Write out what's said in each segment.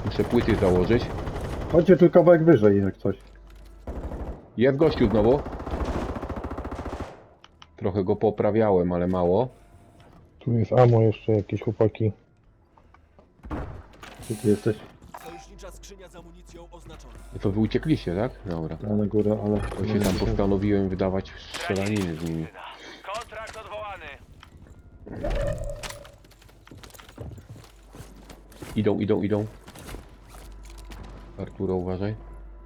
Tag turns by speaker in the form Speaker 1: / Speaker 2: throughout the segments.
Speaker 1: Muszę płyty założyć.
Speaker 2: Chodźcie tu kawałek wyżej jak coś.
Speaker 1: Jest gościu znowu. Trochę go poprawiałem, ale mało.
Speaker 3: Tu jest ammo jeszcze, jakieś chłopaki.
Speaker 2: Gdzie ty jesteś?
Speaker 4: Sojusznicza skrzynia z amunicją oznaczona.
Speaker 1: No to wy uciekliście, tak? Dobra.
Speaker 2: Ja na górę, ale...
Speaker 1: To się tam postanowiłem wydawać strzelaniny z nimi.
Speaker 5: Kontrakt odwołany.
Speaker 1: Idą. Arturo, uważaj.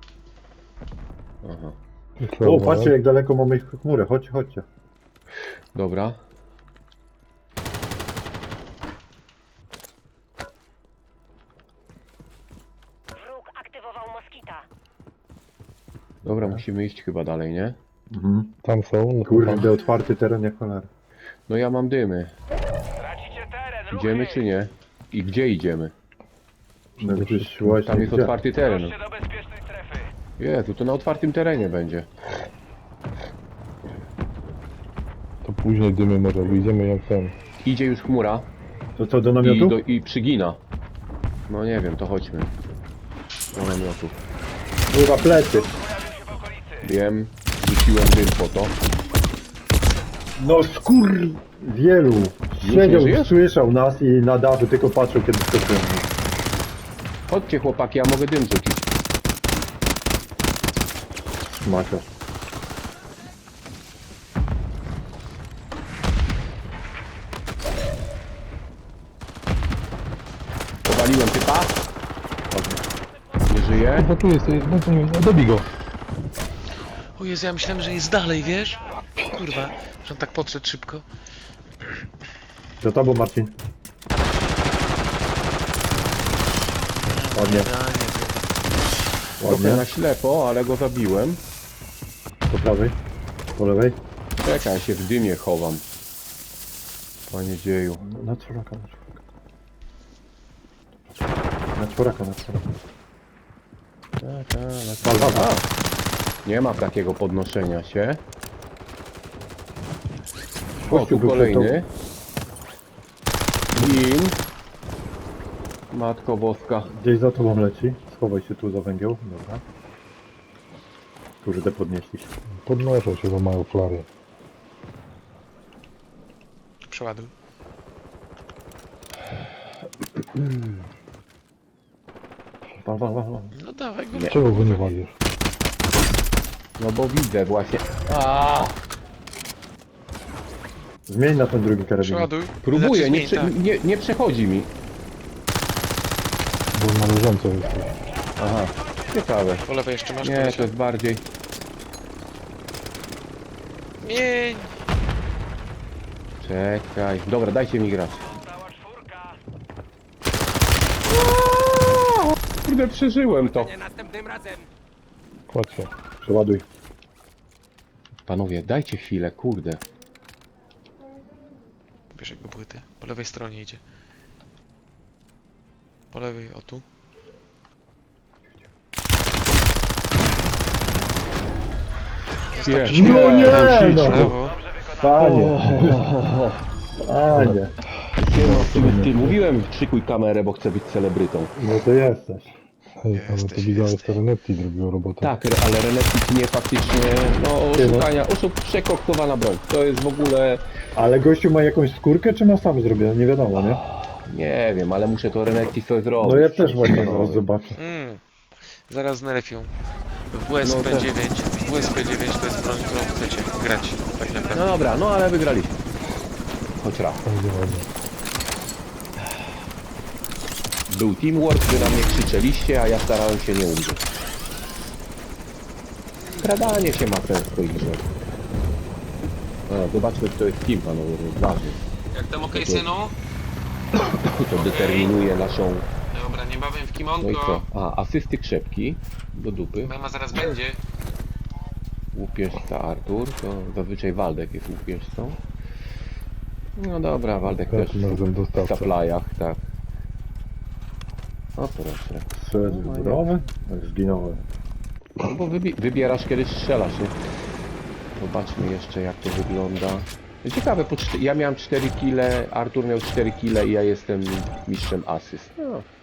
Speaker 1: Aha.
Speaker 2: O, patrzcie jak daleko mamy ich chmurę. Chodźcie.
Speaker 1: Dobra.
Speaker 6: Wróg aktywował moskita.
Speaker 1: Dobra, musimy iść chyba dalej, nie?
Speaker 3: Tam są. No,
Speaker 2: Kurde, otwarty teren jak cholera.
Speaker 1: No ja mam dymy.
Speaker 5: Tracicie teren. Ruchy.
Speaker 1: Idziemy czy nie? I gdzie idziemy?
Speaker 2: No gdzieś właśnie
Speaker 1: Tam jest
Speaker 2: gdzie?
Speaker 1: otwarty teren.
Speaker 5: Ruszcie do bezpiecznej strefy.
Speaker 1: Jezu, to na otwartym terenie będzie.
Speaker 3: To później dymy może wyjdziemy jak ten.
Speaker 1: Idzie już chmura
Speaker 2: To co, do namiotu?
Speaker 1: i przygina. No nie wiem, to chodźmy. Do namiotu.
Speaker 2: Kurwa, plecy.
Speaker 5: Pojawił się w okolicy.
Speaker 1: Wiem, rzuciłem dym po to.
Speaker 2: No skur... Wielu.
Speaker 1: nie
Speaker 2: Siedział,
Speaker 1: żyjesz?
Speaker 2: słyszał nas i na dachu tylko patrzył kiedy skoczyłem.
Speaker 1: Chodźcie chłopaki, ja mogę dym rzucić.
Speaker 2: Macio.
Speaker 1: Powaliłem typa. Nie żyje.
Speaker 3: Bo tu jest, dobij go.
Speaker 4: O Jezu, ja myślałem, że jest dalej, wiesz? Kurwa, że on tak podszedł szybko.
Speaker 2: Za tobą, Marcin. Ładnie,
Speaker 1: Trochę
Speaker 2: ładnie.
Speaker 1: na ślepo, ale go zabiłem.
Speaker 2: Po prawej. Po lewej.
Speaker 1: Czekaj, ja się w dymie chowam. Panie dzieju.
Speaker 2: Na czworaka. Na czworaka.
Speaker 1: A, nie ma takiego podnoszenia się. O, tu
Speaker 2: był
Speaker 1: kolejny. Gin. Matko boska.
Speaker 2: Gdzieś za tobą leci. Schowaj się tu za węgiel. Dobra. Kurde, podnieśli się.
Speaker 3: Podnoszą się, bo mają flary.
Speaker 4: Przeładuj.
Speaker 2: Wal.
Speaker 4: No dawaj go.
Speaker 3: Czego go nie walisz?
Speaker 1: No bo widzę właśnie.
Speaker 2: Zmień na ten drugi karabin.
Speaker 4: Przeładuj.
Speaker 1: Próbuję,
Speaker 4: Znaczy,
Speaker 1: nie,
Speaker 4: zmień,
Speaker 1: nie przechodzi mi.
Speaker 3: Bo na leżąco jesteś.
Speaker 1: Aha, ciekawe.
Speaker 4: Po lewej jeszcze masz
Speaker 1: Nie,
Speaker 4: kolesia.
Speaker 1: to jest bardziej...
Speaker 4: Mień.
Speaker 1: Czekaj. Dobra, dajcie mi grać.
Speaker 5: Cała czwórka.
Speaker 1: Kurde, przeżyłem to.
Speaker 5: Nie następnym razem.
Speaker 3: Kładź się.
Speaker 2: Przeładuj.
Speaker 1: Panowie, dajcie chwilę, kurde.
Speaker 4: Bierz jakby płyty. Po lewej stronie idzie. Po lewej, o tu.
Speaker 1: Jest.
Speaker 2: No nie,
Speaker 1: Tam
Speaker 2: no.
Speaker 1: ślicznie.
Speaker 4: Lewo.
Speaker 2: Panie. Panie.
Speaker 1: Ty mówiłem, szykuj kamerę, bo chcę być celebrytą.
Speaker 2: No to jesteś.
Speaker 3: Hej, ale to
Speaker 4: Jesteś,
Speaker 3: widziałeś,
Speaker 4: jesteś.
Speaker 3: to Renetti zrobiło robotę.
Speaker 1: Tak, ale Renektik nie faktycznie, no oszukania, przekoktowana broń. To jest w ogóle,
Speaker 2: Ale gościu ma jakąś skórkę, czy ma sam zrobione? Nie wiadomo, nie?
Speaker 1: nie wiem, ale muszę to Renektik sobie zrobić.
Speaker 2: No ja też właśnie zaraz zobaczę.
Speaker 4: Zaraz nerfią. W WSP-9. WSP-9 to jest broń, którą chcecie grać. Tak naprawdę.
Speaker 1: No dobra, no ale wygraliśmy. Choć raz.
Speaker 3: Będzie ładnie.
Speaker 1: Był teamwork, wy na mnie krzyczeliście, a ja starałem się nie umrzeć. Skradanie się ma sens w tej grze. Zobaczmy, kto jest team, panowie, to jest ważne.
Speaker 4: Jak tam okej, synu?
Speaker 1: To determinuje naszą...
Speaker 4: Dobra, niebawem w
Speaker 1: No i
Speaker 4: kimonko.
Speaker 1: co? Asysty krzepki do dupy.
Speaker 4: Mema zaraz będzie.
Speaker 1: Łupieżca Artur, to zazwyczaj Waldek jest łupieżcą. No dobra, Waldek
Speaker 3: Tak,
Speaker 1: też
Speaker 3: razem
Speaker 1: w
Speaker 3: dostawca.
Speaker 1: supplyach, tak. O proszę.
Speaker 2: Strzelec wyborowy? Zginąłem.
Speaker 1: No bo wybierasz kiedy strzelasz, nie? Zobaczmy jeszcze jak to wygląda. Ciekawe, ja miałem 4 kile, Artur miał 4 kile i ja jestem mistrzem asyst. No,